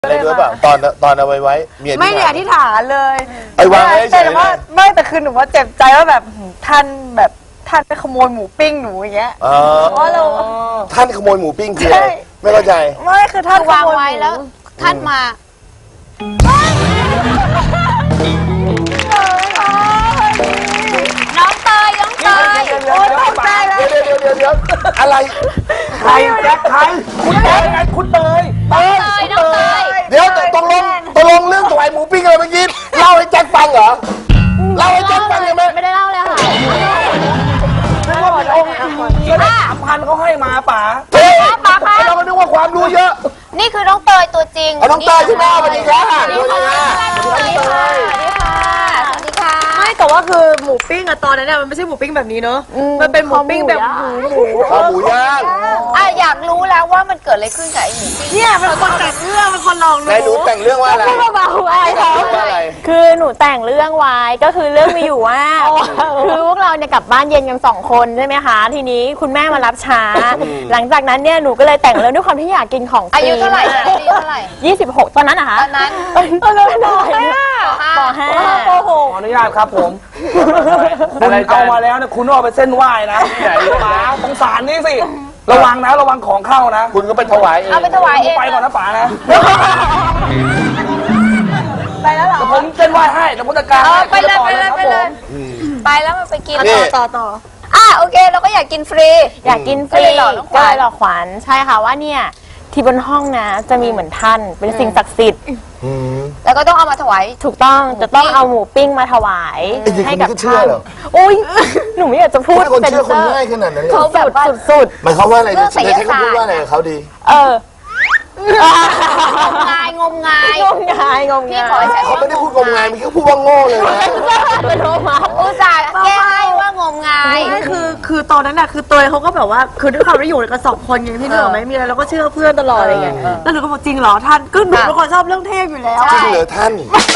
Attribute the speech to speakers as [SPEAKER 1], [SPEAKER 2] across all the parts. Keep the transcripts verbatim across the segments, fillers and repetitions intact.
[SPEAKER 1] อะไรด้วยเปล่าตอนตอนเอาไว้ไว้เมีย
[SPEAKER 2] ไม่ได้อธิษฐานเลย
[SPEAKER 1] ไอ้วางไว้เฉย
[SPEAKER 2] แต่ว่าไม่แต่คือหนูว่าเจ็บใจว่าแบบท่านแบบท่านไปขโมยหมูปิ้งหนูอย่างเงี้ย
[SPEAKER 1] อ๋อ
[SPEAKER 2] เพราะเรา
[SPEAKER 1] ท่านขโมยหมูปิ้งคืออะไรไม่เข้าใจ
[SPEAKER 2] ไม่คือท่าน
[SPEAKER 3] วางไว้แล้วท่านมาน้องเตยน้องเตย
[SPEAKER 2] โอ๊ยตกใจแล้ว
[SPEAKER 1] เดี๋ยวเดี๋ยวเดี๋ยวเดี๋ยวอะไร
[SPEAKER 4] ใครแจ็คใครคุณเตยไงคุณเตย
[SPEAKER 1] เอ้ย
[SPEAKER 3] เตยน้องเตย
[SPEAKER 1] เดี๋ยวตกลงตกลงเรื่องถวายหมูปิ้งอะไรเมื่อกี้เล่าให้แจ็คฟังเหรอเล่าให้แจ็คฟังยังไหม
[SPEAKER 3] ไม่ได้เล่าเลยค่ะ
[SPEAKER 4] นึกว่าเป็นองค์ก็ได้สามพันเขาให้มาป๋า
[SPEAKER 1] เฮ้ยไอ้เราก็นึกว่าความรู้เยอะ
[SPEAKER 3] นี่คือน้องเตยตัวจริง
[SPEAKER 1] เอาน้องเตยใช่ไหมสวัสดีครับ
[SPEAKER 3] สวัสดีค่ะสวัสดีค่ะสวัสดีค่ะสวัสดีค่ะ
[SPEAKER 2] ไม่แต่ว่าคือหมูปิ้งอะตอนนั้นเนี่ยมันไม่ใช่หมูปิ้งแบบนี้เนอะมันเป็นหมูปิ้งแบบหมูหมู
[SPEAKER 1] ข้าวหมูย่าง
[SPEAKER 3] อ่ะอยากรู้แล้วว่ามันเกิดอะไรขึ้นกับไอ้หมูปิ้ง
[SPEAKER 2] เนี่ยเป็นคนแต่งเรื่องเป็นคนลองดู
[SPEAKER 1] นายหนูแต่งเรื่องว่าอะไร
[SPEAKER 5] เบาๆไว้
[SPEAKER 1] แต่
[SPEAKER 5] ค่ะ
[SPEAKER 1] งเรื่องว่าอะไร
[SPEAKER 5] คือหนูแต่งเรื่องไว้ก็คือเรื่องมีอยู่ว่า คือพวกเราเนี่ยกลับบ้านเย็นกันสองคนใช่ไหมคะทีนี้คุณแม่มารับช้า หลังจากนั้นเนี่ยหนูก็เลยแต่งเรื่องด้วยความที่อยากกินของ
[SPEAKER 3] อายุเท่าไหร่อายุเท่าไหร่
[SPEAKER 5] ยี่สิบหกตอนนั้นนะคะ
[SPEAKER 3] ตอนนั้น
[SPEAKER 5] ตอนนั้นหน่อยปห้าปห
[SPEAKER 4] ข
[SPEAKER 5] ก
[SPEAKER 4] ออนุญาตครับผมคุณเอามาแล้วนะคุณต้องเอาไปเส้นไหว้นะป๋าสงสารนี่สิระวังนะระวังของเข้านะ
[SPEAKER 1] คุณก็ไปถวายเอง
[SPEAKER 3] เอาไปถวายเอง
[SPEAKER 4] ไปก่อนนะป๋านะ
[SPEAKER 2] ไปแล้วเหรอ
[SPEAKER 4] แต่ผมเส้นไหว้ให้แต่ผมจัดการ
[SPEAKER 3] เออ
[SPEAKER 4] ให้
[SPEAKER 3] ไปเลยไปเลย
[SPEAKER 4] ครับ
[SPEAKER 3] ไปเลย
[SPEAKER 4] ผม
[SPEAKER 3] ไปแล้วมันไปกิน
[SPEAKER 1] นี่
[SPEAKER 2] ต่อต่อ
[SPEAKER 3] อ่ะโอเคเราก็อยากกินฟรี
[SPEAKER 5] อยากกินฟ
[SPEAKER 3] ก็
[SPEAKER 5] รี
[SPEAKER 3] เลยหลอกน้องข
[SPEAKER 5] ก็
[SPEAKER 3] วัญ
[SPEAKER 5] เลยหลอกขวัญใช่ค่ะว่าเนี่ยที่บนห้องนะจะมีเหมือนท่านเป็นสิ่งศักดิ์สิทธิ์
[SPEAKER 1] อืม
[SPEAKER 3] แล้วก็ต้องเอามาถวาย
[SPEAKER 5] ถูกต้องจะต้องเอาหมูปิ้งมาถวาย
[SPEAKER 1] ไอ้เด็ก
[SPEAKER 5] ให้
[SPEAKER 1] คน
[SPEAKER 5] กับ
[SPEAKER 1] นี้ก็เชื่อ
[SPEAKER 5] ท่าน
[SPEAKER 1] เหรอ
[SPEAKER 5] อุ้ยหนูไม่อยากจะพูด
[SPEAKER 1] ถ้าคนเชื่อคน
[SPEAKER 5] ซ็ซร์
[SPEAKER 1] ง่ายขนาดนั้นเลย
[SPEAKER 3] เขาแบบว่า
[SPEAKER 5] สุดสุด
[SPEAKER 1] หมายความว่าอะไร
[SPEAKER 3] เรื่องไสย
[SPEAKER 1] ใช้
[SPEAKER 3] ศาสตร์
[SPEAKER 1] คำพูดว่าอะไรกับเขาดี
[SPEAKER 5] ๆเออง
[SPEAKER 3] มงายงมงาย
[SPEAKER 5] งมงายงม
[SPEAKER 3] พี่
[SPEAKER 5] งาย
[SPEAKER 3] ขอให้ใช้
[SPEAKER 1] เขาไม่ได้พูดงมงายมันเขาพูดว่าโง่เลยนะ
[SPEAKER 5] เป็นโรมา
[SPEAKER 3] อุตส่าห์แก้ให้ว่างมงาย
[SPEAKER 2] ไม่คือคือตอนนั้นน่ะคือเตยเขาก็แบบว่าคือด้วยความที่อยู่กันสองคนอย่างที่เนอะไม่มีอะไรเราก็เชื่อเพื่อนตลอดอะไรเงี้ยแล้วหนูก็บอกจริงเหรอท่านก็หนูเป็นคนชอบเรื่องเทพอยู่แล้ว
[SPEAKER 1] จริงเหรอท่าน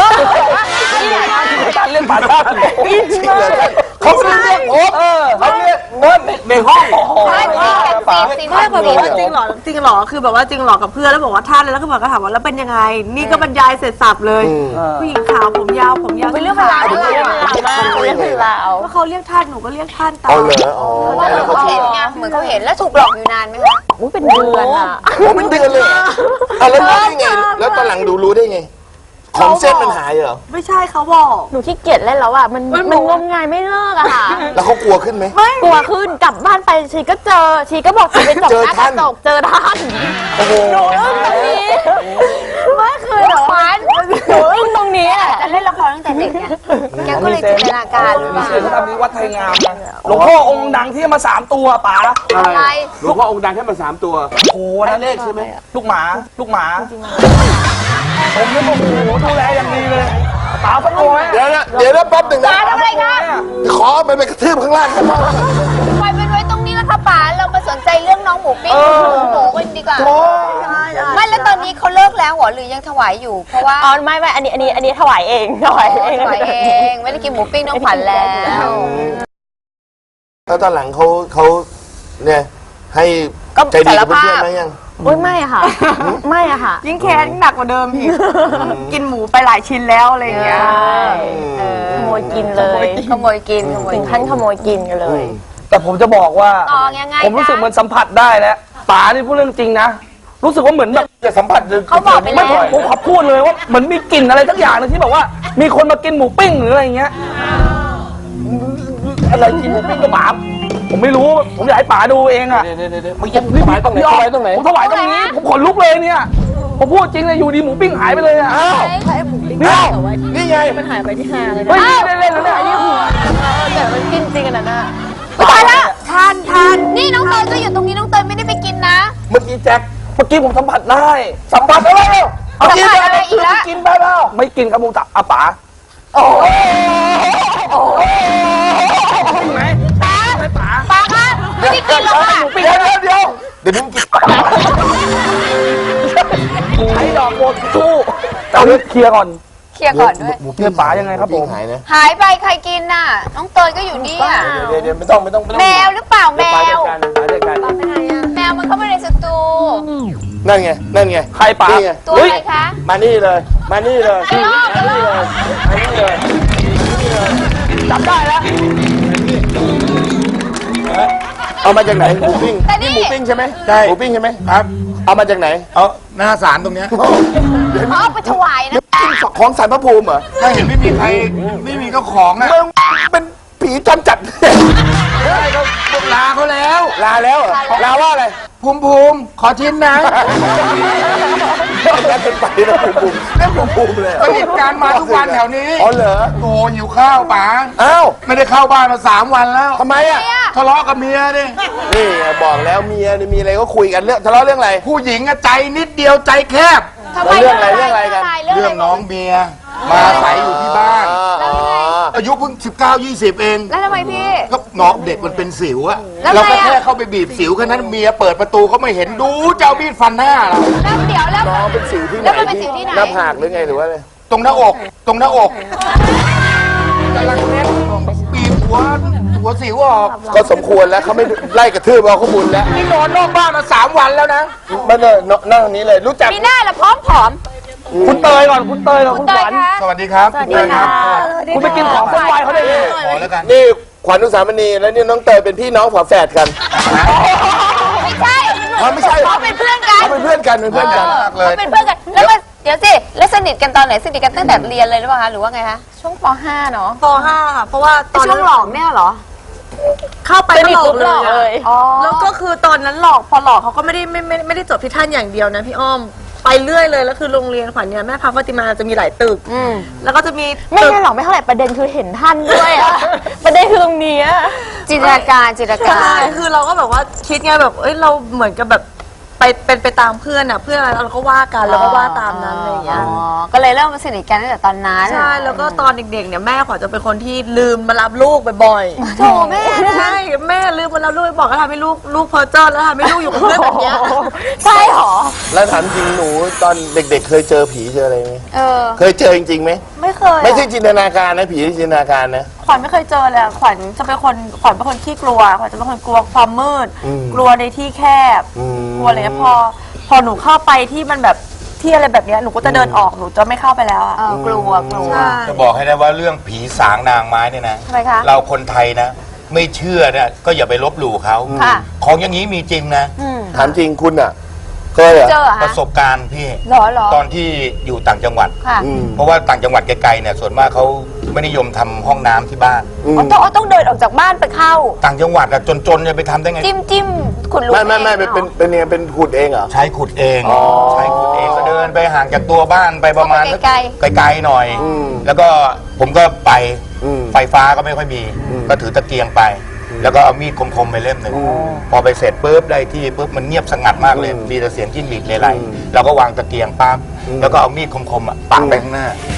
[SPEAKER 4] เรื่องป๋าท่าน
[SPEAKER 1] จริงเหรอท่านเขาไม่ได้เรียกผม
[SPEAKER 4] เออ
[SPEAKER 1] เขาเรียกเงิน
[SPEAKER 4] ในห้อง
[SPEAKER 3] ใช่พี่กันสิสิ
[SPEAKER 2] ไม่เคยบอกว่าจริงเหรอจริงเหรอคือแบบว่าจริงเหรอกับเพื่อนแล้วบอกว่าท่านแล้วก็บอกก็ถามว่าแล้วเป็นยังไง นี่ก็บรรยายเสร็จสับเลยผู้หญิงขาวผมยาวผมยาว
[SPEAKER 3] เป็นเรื่องเป็นราว
[SPEAKER 5] เป็น
[SPEAKER 3] ด้วย
[SPEAKER 5] เรื่องเป็นราวมากเป็นเรื่องเป็นราว
[SPEAKER 2] ว่าเขาเรียกท่านหนูก็เรียกท่านตา
[SPEAKER 1] เอา
[SPEAKER 2] ม
[SPEAKER 1] เหรออ๋อ
[SPEAKER 3] เพราะว่าเหมือนเขาเห็นไงเหมือนเขาเห็นแล้วถูกหลอกอยู่นานไหมคะ
[SPEAKER 5] อุ้ยเป็นเดือนอ่ะ
[SPEAKER 1] โอ้เป็นเดือนเลยเหรออ่ะแล้วรู้ได้ไง แล้วตอนหลังดูรู้ได้ไง ของเส้นมันหายเหรอ
[SPEAKER 2] ไม่ใช่เขาบอก
[SPEAKER 5] หนูขี้เกียจเล่นแล้วอ่ะมันมันงมงายไม่เลิกอะค่ะ
[SPEAKER 1] แล้วเขากลัวขึ้นไหม
[SPEAKER 5] กลัวขึ้นกลับบ้านไปชีก็เจอชีก็บอกชีไปจบ
[SPEAKER 1] เจอ
[SPEAKER 5] หน้าก
[SPEAKER 1] ท่า
[SPEAKER 5] ระ
[SPEAKER 1] น
[SPEAKER 5] จกเจอท่าน
[SPEAKER 1] โอ้โห
[SPEAKER 5] หนูอึ้งตรงนี้ไม่คือหนูฝันหนูอึ้งตรงนี้อะ
[SPEAKER 3] จะเล่นละครตั้งแต่เด็กไงแกก็เลยจินตนาการหรือเป
[SPEAKER 4] มี
[SPEAKER 3] ล่า
[SPEAKER 4] เสียงทำนี้วัดไทยงามนะหลวงพ่อองค์ดังที่มาสามตัวป๋า
[SPEAKER 3] อะไร
[SPEAKER 6] หลวงพ่อองค์ดังแค่มาสามตัว
[SPEAKER 4] โอ้โหนั่นเลขใช่ไหมลูกหมาลูกหมาผมนี่โอ้โหดูแลอย่างดีเลยป๋าสักตัวไหม
[SPEAKER 1] เดี๋ยวนะเดี๋ยวนะแป๊บหนึ่งนะ
[SPEAKER 3] ป๋าทำอะไรคะ
[SPEAKER 1] ขอมันไปกระทืบข้างล่างกันบ้าง
[SPEAKER 3] ปล่อยมันไว้ตรงนี้แล้วค่ะป๋าเรามาสนใจเรื่องน้องหมูปิ้งหมูกันดีกว่า
[SPEAKER 1] โอ้
[SPEAKER 3] ไม่แล้วตอนนี้เขาเลิกแล้วเหรอหรือยังถวายอยู่ เพราะว่า
[SPEAKER 5] อ๋อไม่ไม่อันนี้อันนี้อันนี้ถวายเองถวายเอง
[SPEAKER 3] ถวายเองไม่ได้กินหมูปิ้งน้องขวัญแล้ว
[SPEAKER 1] แล้วตอนหลังเขาเขาเนี่ยให้
[SPEAKER 3] ก็
[SPEAKER 1] ใจดีกับ
[SPEAKER 3] สารภาพ
[SPEAKER 1] เพื่อนๆไหมยัง
[SPEAKER 5] อุ้ยไม่อะค่ะ ไม่อะค่ะ
[SPEAKER 2] ยิ่งแค้นหนักกว่าเดิมอีกกินหมูไปหลายชิ้นแล้วอะไรอย่างเงี้ย
[SPEAKER 5] ขโมยกินเลย
[SPEAKER 3] ขโมยกินขโมย
[SPEAKER 5] ถึ
[SPEAKER 3] กิ
[SPEAKER 5] ง
[SPEAKER 3] น
[SPEAKER 5] ขั้นขโมยกินกันเลย
[SPEAKER 4] แต่ผมจะบอกว่า
[SPEAKER 3] ต่อยังไง
[SPEAKER 4] ผมรู้สึก
[SPEAKER 3] คะ
[SPEAKER 4] มันสัมผัสได้แล้วป๋านี่พูดเรื่องจริงนะ รู้สึกว่าเหมือนแบบ
[SPEAKER 1] จะสัมผัส
[SPEAKER 3] เขาบอกไป
[SPEAKER 4] ไม่
[SPEAKER 3] แล้ว
[SPEAKER 4] ผมผมขอพูดเลยว่าเหมือนมีกลิ่นอะไรสักอย่างหนึงที่แบบว่า มีคนมากินหมูปิ้งหรืออะไรอย่างเงี้ยอะไรกินหมูปิ้งกับป๋าผมไม่รู้ผมอยากให้ป๋าดูเองอะ
[SPEAKER 6] เดี๋ยวเดี๋ยวเดี๋ยวมึงจะถวายตรงไหนถวายตรงไหน
[SPEAKER 4] ผมถวายตรงนี้ผมขนลุกเลยเนี่ยผมพูดจริงเลยอยู่ดีหมูปิ้งหายไปเลยอะอ้าวเนี่ย
[SPEAKER 1] นี่ไง
[SPEAKER 5] มันหายไปที่ห้าเลย
[SPEAKER 4] เฮ้ยไม่ได้เล่นแล้วเนี่ย
[SPEAKER 5] แต่มันกินจริงกันนะน่ะ
[SPEAKER 3] ตายละ
[SPEAKER 2] ท่านท่าน
[SPEAKER 3] นี่น้องเตยก็อยู่ตรงนี้น้องเตยไม่ได้ไปกินนะ
[SPEAKER 1] เมื่อกี้แจ็ค
[SPEAKER 4] เมื่อกี้ผมสัมผัสได้สัมผัสได้แล้วเอา
[SPEAKER 3] สั
[SPEAKER 4] กิน
[SPEAKER 3] มผัส
[SPEAKER 4] ไป
[SPEAKER 3] อะไรอีกละ
[SPEAKER 4] กินไปแล้วไม่กินครับผมจับอาป๋า
[SPEAKER 3] โอ้โห
[SPEAKER 4] จริงไหม
[SPEAKER 3] ตา
[SPEAKER 4] ไม่ป๋า
[SPEAKER 3] ปาคะไม่ได้กินหรอกค่ะ
[SPEAKER 1] เดี๋ยวเดี๋ยวเดี๋ยวเดี๋ยวมึงกิน
[SPEAKER 4] ใช้ดอกโบดสู้เอาเรื่องเคลียร์ก่อน
[SPEAKER 3] เคลียร์ก่อนด้วย
[SPEAKER 1] หมู
[SPEAKER 4] เพื่อนป๋ายังไงครับผม
[SPEAKER 1] หายนะ
[SPEAKER 3] หายไปใครกินน่ะ น้องเตยก็อยู่นี่อ่ะ
[SPEAKER 1] เดี๋ยวเดี๋ยวไม่ต้องไม่ต้องไม่ต้อง
[SPEAKER 3] แมวหรือเปล่าแม
[SPEAKER 6] เดี๋ยวป๋าว จัดการป๋าจัดการ
[SPEAKER 3] แมวมันเข้ามาในสตู
[SPEAKER 1] นั่นไงนั่นไง
[SPEAKER 4] ใครป๋า
[SPEAKER 1] นี่ไง
[SPEAKER 3] ตัว
[SPEAKER 1] เฮ้ย
[SPEAKER 3] อะไรคะ
[SPEAKER 1] มานี่เลย มานี่เลยมานี่เลยมานี่เลย
[SPEAKER 4] จับได้แล้ว
[SPEAKER 1] เอามาจากไหนหมูปิ้ง
[SPEAKER 3] แต่นี่
[SPEAKER 1] นี่หมูปิ้งใช่ไหม
[SPEAKER 7] ใช่
[SPEAKER 1] หมูปิ้งใช่ไหม
[SPEAKER 7] ครับ
[SPEAKER 1] เอามาจากไหน
[SPEAKER 7] เอาหน้าศาลตรงเนี้ย
[SPEAKER 3] เขาเอาไปถวายนะ
[SPEAKER 1] ของสารพระภูมิเหรอ
[SPEAKER 7] ถ้าเห็นไม่มีใครไม่มีเจ้าของอ่ะ
[SPEAKER 1] มึงเป็นผีจำจัด
[SPEAKER 7] ไม่ได้ก็ลาเขาแล้ว
[SPEAKER 1] ลาแล้วเหรอลาว่าอะไร
[SPEAKER 7] ภูมิภูมิขอชิ้นนะ
[SPEAKER 1] แล้วเป็นไปแล้วภูมิภูมิเล่นภูมิภูมิเลย
[SPEAKER 7] ก็เหตุการณ์มาทุกวันแถวนี้
[SPEAKER 1] อ๋อเหรอ
[SPEAKER 7] โอ้หิวข้าวป๋า
[SPEAKER 1] อ้าว
[SPEAKER 7] ไม่ได้เข้าบ้านมาสามวันแล้ว
[SPEAKER 1] ทำไมอ่ะ
[SPEAKER 7] ทะเลาะกับเมียดิ
[SPEAKER 1] นี่ไงบอกแล้วเมียนี่มีอะไรก็คุยกันเรื่องทะเลาะเรื่องอะไร
[SPEAKER 7] ผู้หญิงอะใจนิดเดียวใจแคบ
[SPEAKER 3] ทำไม
[SPEAKER 1] เรื่องอะไรเรื่องอะไรกัน
[SPEAKER 3] เรื่อง
[SPEAKER 7] เรื่
[SPEAKER 3] อะ
[SPEAKER 7] อง
[SPEAKER 3] ไร
[SPEAKER 7] น้องเมียมาอาศัยอยู่ที่บ้าน
[SPEAKER 1] อ๋อ
[SPEAKER 7] อายุเพิ่งสิบเก้ายี่สิบเอง
[SPEAKER 3] แล้วทำไมพี่
[SPEAKER 7] ก็น้องเด็กมันเป็นสิวอะ
[SPEAKER 3] แล้ว
[SPEAKER 7] เรา
[SPEAKER 3] ไง
[SPEAKER 7] ก็
[SPEAKER 3] อะ
[SPEAKER 7] แค่เข้าไปบีบสิวแค่นั้นเมียเปิดประตูเขาไม่เห็นดูจะเอามีดฟันหน้าเรา
[SPEAKER 3] แล้วเดี๋ยวแล้ว
[SPEAKER 1] น้องเป็นสิวที่ไหน
[SPEAKER 3] แล้วมันเป็นสิวที่ไหน
[SPEAKER 1] หน้าผากหรือไงหรือว่าอะไร
[SPEAKER 7] ตรงหน้าอก ตรงหน้าอกกำลังเล่นบีบหัวหัวสิวออก
[SPEAKER 1] ก็สมควรแล้วเขาไม่ไล่กระทืบเอาเขาบุญแล้ว
[SPEAKER 7] นี่นอนนอกบ้านมาสามวันแล้วนะ
[SPEAKER 1] มาเลยนั่งตรงนี้เลยรู้จัก
[SPEAKER 3] มีหน้าละพร้อมผอม
[SPEAKER 4] คุณเตยก่อนคุณเตยก่อนคุณ
[SPEAKER 3] เต
[SPEAKER 4] ข
[SPEAKER 3] ย
[SPEAKER 4] วัญ
[SPEAKER 3] คะ
[SPEAKER 7] สวัสดีครับ
[SPEAKER 3] สวัสดีค่ะ
[SPEAKER 4] คุณไปกินของเส้นไหวเขาได้ยังไง
[SPEAKER 7] ขอแล้วกัน
[SPEAKER 1] นี่ขวัญอุสามณีและนี่น้องเตยเป็นพี่น้องฝาแฝดกัน
[SPEAKER 3] ไม่ใช่
[SPEAKER 1] อ๋อไม่ใช่
[SPEAKER 3] เขาเป็นเพื่อนกัน
[SPEAKER 1] เขาเป็นเพื่อนกันเป็นเพื่อนกัน
[SPEAKER 3] เขาเป็นเพื่อนกัน แล้วมาเดี๋ยวสิ แล้วสนิทกันตอนไหนสนิทกันตั้งแต่เรียนเลยหรือเปล่าคะ หรือว่าไงคะ
[SPEAKER 5] ช่วงป .ห้า เนาะ
[SPEAKER 2] ป .ห้า ค่ะ เพราะว่าตอน
[SPEAKER 3] ช่วงหลอกเนี่ยเหรอ
[SPEAKER 2] เข้าไปก็หลอกเลย
[SPEAKER 5] เลย
[SPEAKER 2] อะแล้วก็คือตอนนั้นหลอกพอหลอกเขาก็ไม่ได้ไม่ไม่ไม่ได้จบที่ท่านอย่างเดียวนะพี่อ้อมไปเรื่อยเลยแล้วคือโรงเรียนขวัญเนี่ยแม่พาฟาติมาจะมีหลายตึกแล้วก็จะมี
[SPEAKER 5] ไม่
[SPEAKER 2] ตึก
[SPEAKER 5] ใช่หรอกไม่เท่าไหร่ประเด็นคือเห็นท่านด้วยอะ ประเด็นคือตรงนี้อะ
[SPEAKER 3] จินตนาการจินตนา
[SPEAKER 2] ใช่
[SPEAKER 3] การ
[SPEAKER 2] คือเราก็แบบว่าคิดไงแบบเอ้ยเราเหมือนกับแบบไปเป็นไปตามเพื่อนอ่ะเพื่อนอะไรเราก็ว่ากันเราก็ว่าตามนั้นอะไรอย่างเงี้ย
[SPEAKER 3] อ๋อ ก็เลยเริ่มมาสนิทกันตั้งแต่ตอนนั้น
[SPEAKER 2] ใช่แล้วก็ตอนเด็กๆเนี่ยแม่ขวัญจะเป็นคนที่ลืมมารับลูกบ่อยๆ
[SPEAKER 3] โถแม่นะ
[SPEAKER 2] ใช่แม่ลืมมารับลูกบอกก็ทำให้ลูกลูกเพอเจอร์แล้วทำให้ลูกอยู่กับเพื่อนแบบเนี้ย
[SPEAKER 5] ใช่หรอ
[SPEAKER 1] แล้วถามจริงหนูตอนเด็กๆ เคยเจอผีเจออะไรไหม
[SPEAKER 3] เออ
[SPEAKER 1] เคยเจอจริงๆไหม
[SPEAKER 2] ไม่เคย
[SPEAKER 1] ไม่ใช่จินตนาการนะผีที่จินตนาการนะ
[SPEAKER 2] ขวัญไม่เคยเจอเลยอะขวัญจะเป็นคนขวัญเป็นคนขี้กลัวขวัญจะเป็นคนกลัวความมืด
[SPEAKER 1] อืม
[SPEAKER 2] กลัวในที่แคบ
[SPEAKER 1] อืม
[SPEAKER 2] กลัวอะไรเงี้ยพอพอหนูเข้าไปที่มันแบบที่อะไรแบบเนี้ยหนูก็จะเดินออกหนูจะไม่เข้าไปแล้วอะ
[SPEAKER 3] เออกลัวกลัว
[SPEAKER 2] ใช่
[SPEAKER 7] จะบอกให้นะว่าเรื่องผีสางนางไม้เนี่ยนะ
[SPEAKER 3] ทำไมคะ
[SPEAKER 7] เราคนไทยนะ ไม่เชื่อเนี่ยก็อย่าไปลบหลู่เขา
[SPEAKER 3] ค่ะ
[SPEAKER 7] ของอย่างนี้มีจริงนะ
[SPEAKER 1] ถามจริงคุณอ่ะเคยเหรอ
[SPEAKER 3] เจอเหรอ
[SPEAKER 7] ป
[SPEAKER 3] คะ
[SPEAKER 7] ระสบการณ์พี่
[SPEAKER 3] หรอหรอ
[SPEAKER 7] ตอนที่อยู่ต่างจังหวัด
[SPEAKER 3] ค่ะ
[SPEAKER 1] อืม
[SPEAKER 7] เพราะว่าต่างจังหวัดไกลๆเนี่ยส่วนมากเขาไม่นิยมทำห้องน้ำที่บ้าน
[SPEAKER 1] อืม
[SPEAKER 5] อ๋อต้องต้องเดินออกจากบ้านไปเข้า
[SPEAKER 7] ต่างจังหวัดอะจนๆจะไปทำได้ไง
[SPEAKER 3] จิ้มจิ้มขุดหลุม
[SPEAKER 1] ไม่ไม่ไม่
[SPEAKER 3] เอง
[SPEAKER 1] เป็น
[SPEAKER 3] หรอ
[SPEAKER 1] เป็นเป็นยังไงเป็นขุดเองเหรอ
[SPEAKER 7] ใช้ขุดเอง
[SPEAKER 1] อ๋อ
[SPEAKER 7] ใช้ขุดเองก็เดินไปห่างจากตัวบ้านไปประมาณ
[SPEAKER 3] เข้าไปไกล
[SPEAKER 7] ไกลๆหน่อย
[SPEAKER 1] อืม
[SPEAKER 7] แล้วก็ผมก็ไป
[SPEAKER 1] อืม
[SPEAKER 7] ไฟฟ้าก็ไม่ค่อยมี
[SPEAKER 1] อืม
[SPEAKER 7] ก็ถือตะเกียงไป แล้วก็เอามีดคมๆไปเล่มหนึ่ง
[SPEAKER 1] อืม
[SPEAKER 7] พอไปเสร็จปุ๊บได้ที่ปุ๊บมันเงียบสงัดมากเลย
[SPEAKER 1] อืม
[SPEAKER 7] มีแต่เสียงจิ้งหรีดเลไร
[SPEAKER 1] อืม
[SPEAKER 7] เราก็วางตะเกียงปั๊บ
[SPEAKER 1] อืม
[SPEAKER 7] แล้วก็เอามีดคมๆอะปักไปข้างหน้า